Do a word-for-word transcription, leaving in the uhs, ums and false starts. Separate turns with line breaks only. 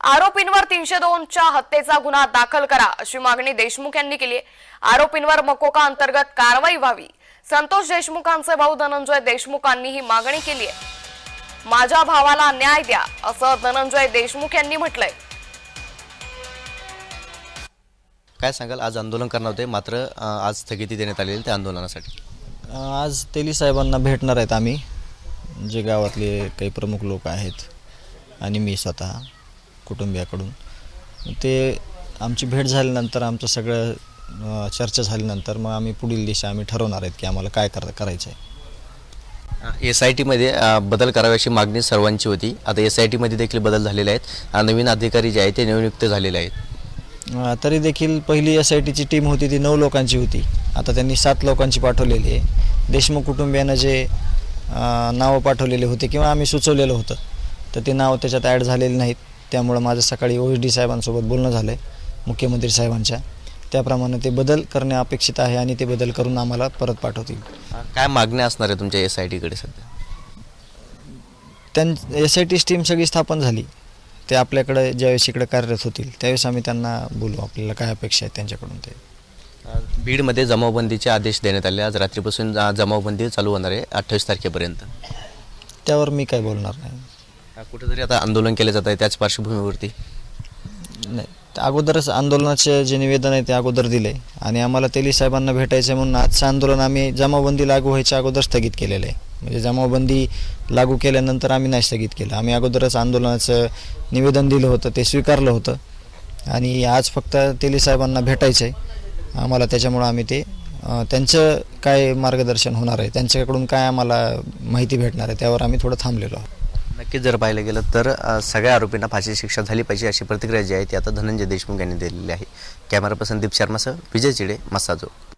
आरोपींवर तीनशे दोन च्या हत्येचा गुन्हा दाखल करा अशी मागणी देशमुख यांनी केली आहे। आरोपींवर मकोका अंतर्गत कारवाई व्हावी। संतोष देशमुखांचे भाऊ धनंजय देशमुखांनी ही मागणी केली आहे। माझ्या भावाला न्याय द्या असं धनंजय देशमुख यांनी म्हटलंय।
काय सांगाल, आज आंदोलन करणार होते मात्र आज स्थगिती देण्यात आलेली त्या आंदोलनासाठी?
आज तेली साहेबांना भेटणार आहेत आम्ही, जे गावातले काही प्रमुख लोक आहेत आणि मी स्वतः कुटुंबियाकडून। ते आमची भेट झाल्यानंतर आमचं सगळं चर्चा झाल्यानंतर मग आम्ही पुढील दिशा आम्ही ठरवणार आहेत की आम्हाला काय कर करायचं आहे।
एस आय टीमध्ये बदल कराव्याची मागणी सर्वांची होती। आता एस आय टीमध्ये देखील बदल झालेले आहेत। नवीन अधिकारी जे आहेत ते नियुक्त झालेले आहेत।
तरी देखील पहिली एस आय टीची टीम होती ती नऊ लोकांची होती, आता त्यांनी सात लोकांची पाठवलेली आहे। देशमुख कुटुंबियांना जे नावं पाठवलेले होते किंवा आम्ही सुचवलेलं होतं तर ते नाव त्याच्यात ॲड झालेले नाहीत। त्यामुळे माझं सकाळी ओ एस डी साहेबांसोबत बोलणं झालं आहे, मुख्यमंत्री साहेबांच्या, त्याप्रमाणे ते बदल करणे अपेक्षित आहे आणि ते बदल करून आम्हाला परत पाठवतील।
काय मागण्या असणार आहे तुमच्या एस आय टीकडे सध्या?
त्यां एस आय टी टीम सगळी स्थापन झाली, ते आपल्याकडे ज्यावेळेस इकडे कार्यरत होतील त्यावेळेस आम्ही त्यांना बोलू आपल्याला काय अपेक्षा आहेत त्यांच्याकडून। ते
बीडमध्ये जमावबंदीचे आदेश देण्यात आले। आज रात्रीपासून जमावबंदी चालू होणार आहे अठ्ठावीस तारखेपर्यंत।
त्यावर मी काय बोलणार नाही।
कुठेतरी आता आंदोलन केलं जात आहे, त्याच पार्श्वभूमीवरती
नाही, अगोदरच आंदोलनाचे जे निवेदन आहे ते अगोदर दिले आणि आम्हाला तेली साहेबांना भेटायचं म्हणून आजचं आंदोलन आम्ही जमावबंदी लागू व्हायच्या अगोदर स्थगित केलेलं आहे। म्हणजे जमावबंदी लागू केल्यानंतर आम्ही नाही स्थगित केलं, आम्ही अगोदरच आंदोलनाचं निवेदन दिलं होतं, ते स्वीकारलं होतं आणि आज फक्त तेली साहेबांना भेटायचं आहे आम्हाला। त्याच्यामुळं आम्ही ते त्यांचं काय मार्गदर्शन होणार आहे, त्यांच्याकडून काय आम्हाला माहिती भेटणार आहे त्यावर आम्ही थोडं थांबलेलो आहोत।
नक्कीच जर पाहिलं गेलं तर सगळ्या आरोपींना फाशी शिक्षा झाली पाहिजे अशी प्रतिक्रिया जी आहे ती आता धनंजय देशमुख यांनी दिलेली आहे। कॅमेरा पर्सन दीप शर्मासह विजय चिडे, मसाजो।